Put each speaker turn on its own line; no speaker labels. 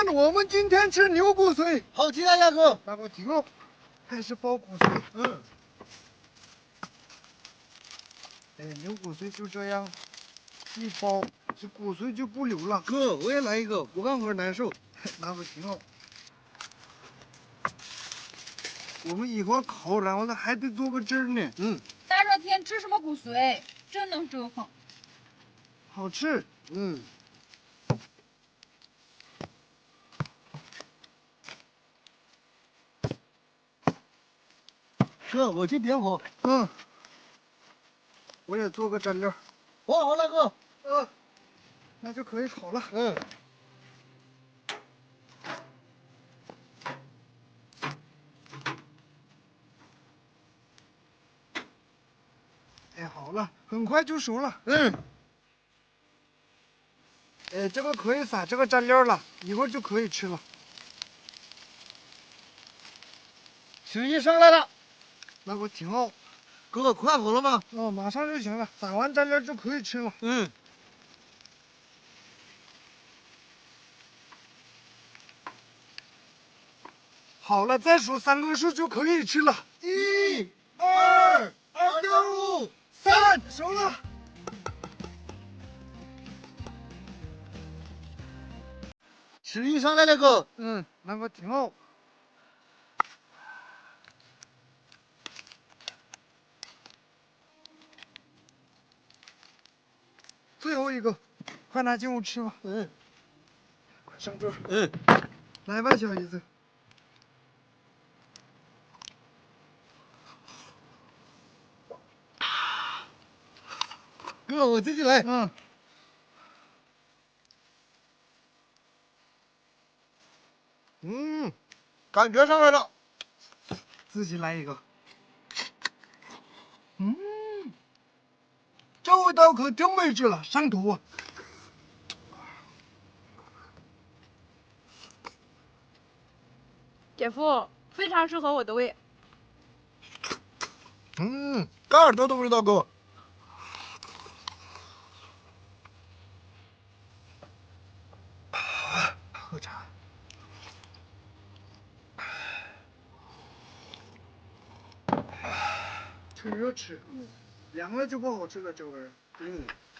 我们今天吃牛骨髓。
好极了，亚哥。
那个挺好，还是包骨髓。
嗯。
哎，牛骨髓就这样一包，这骨髓就不流了。
哥，我也来一个，我干活难受。
那个挺好。我们一会儿烤，然后呢还得做个汁儿呢。
嗯。
大热天吃什么骨髓？真能折腾。
好吃。
嗯。哥，我去点火。
嗯。我也做个蘸料。
我好了，哥。
那就可以烤了。
嗯。
哎，好了，很快就熟了。
嗯。
哎，这个可以撒这个蘸料了，一会儿就可以吃了。
许一上来了。
那个挺好。
哥，快好了吗？
哦，马上就行了，撒完蘸料就可以吃了。
嗯。
好了，再数3个数就可以吃了。
1、2、2.5、3，
熟了。
许一上来了，哥。
嗯，那个挺好。最后一个，快拿进屋吃吧。
嗯。
快上桌。
嗯。
来吧，小姨子。
哥，我自己来。感觉上来了。
自己来一个。这味道可真美味了，上头啊！
姐夫非常适合我的胃。
干耳朵的味道，哥。
喝茶。趁热吃，凉了就不好吃了，这味儿。